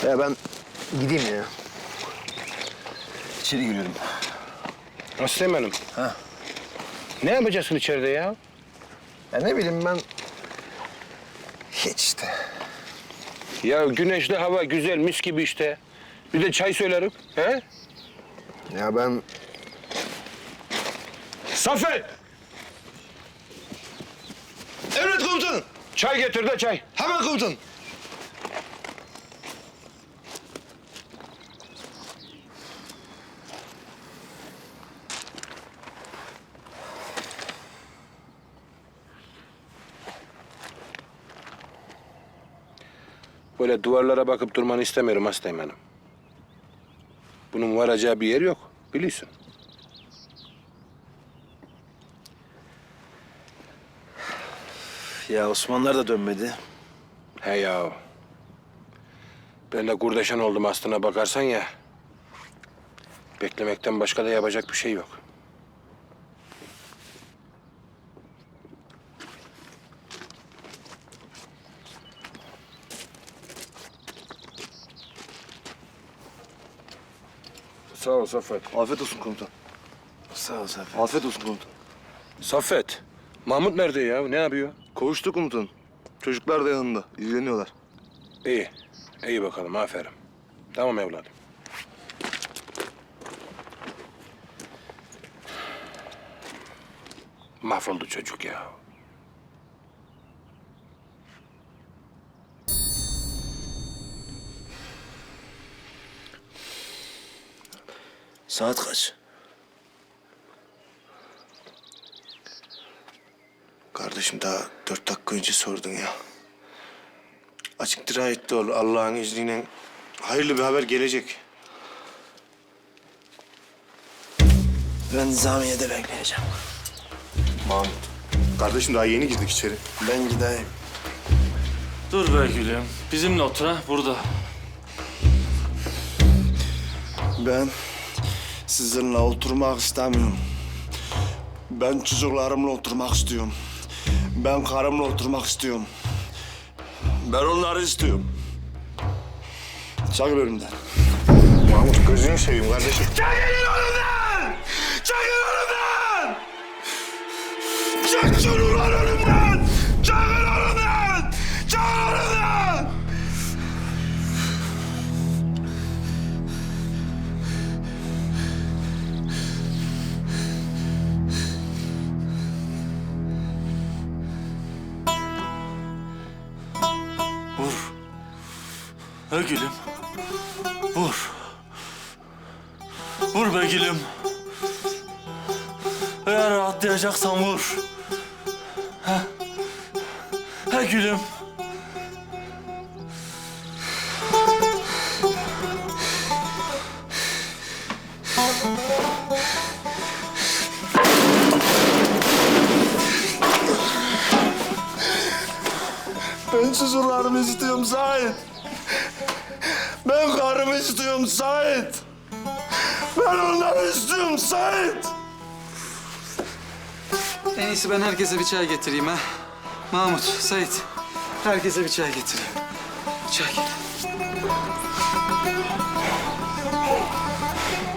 Ya ben gideyim ya. İçeri giriyorum. Aslan Hanım. Ha. Ne yapacaksın içeride ya? Ya ne bileyim ben... Hiç işte. Ya güneşli hava güzel, mis gibi işte. Bir de çay söylerim. He? Ya ben... Saffet! Emret komutanım. Çay getir de çay. Hemen komutanım. Böyle duvarlara bakıp durmanı istemiyorum hastayım hanım. Bunun varacağı bir yer yok, biliyorsun. Ya Osmanlılar da dönmedi. He ya. Ben de kurdeşen oldum aslına bakarsan ya. Beklemekten başka da yapacak bir şey yok. Sağ ol Saffet. Afiyet olsun komutan. Sağ ol Zafer. Afiyet olsun komutan. Saffet, Mahmut nerede ya? Ne yapıyor? Kavuştu komutanım. Çocuklar da yanında. İlgileniyorlar. İyi. İyi bakalım, aferin. Tamam evladım. Mahvoldu çocuk ya. Saat kaç? Kardeşim daha 4 dakika önce sordun ya. Açık dirayetli ol. Allah'ın izniyle hayırlı bir haber gelecek. Ben Nizamiye'de bekleyeceğim. Mahmut. Kardeşim daha yeni girdik içeri. Ben gideyim. Dur be gülüm. Bizimle otur ha burada. Ben sizinle oturmak istemiyorum. Ben çocuklarımla oturmak istiyorum. Ben karımla oturmak istiyorum. Ben onları istiyorum. Çakıl önümden. Mahmut gözünü seveyim kardeşim. Çekilin önümden! Çekil önümden! Çek çocuklar önümden! Çekil önümden! Çekil önümden! Vur. Ha gülüm. Vur. Vur be gülüm. Eğer rahatlayacaksan vur. Ha? Ha gülüm. Ben çocuklarımı istiyorum Sait. Ben karımı istiyorum Sait. Ben onları istiyorum Sait. En iyisi ben herkese bir çay getireyim ha. Mahmut, Sait. Herkese bir çay getireyim. Çay.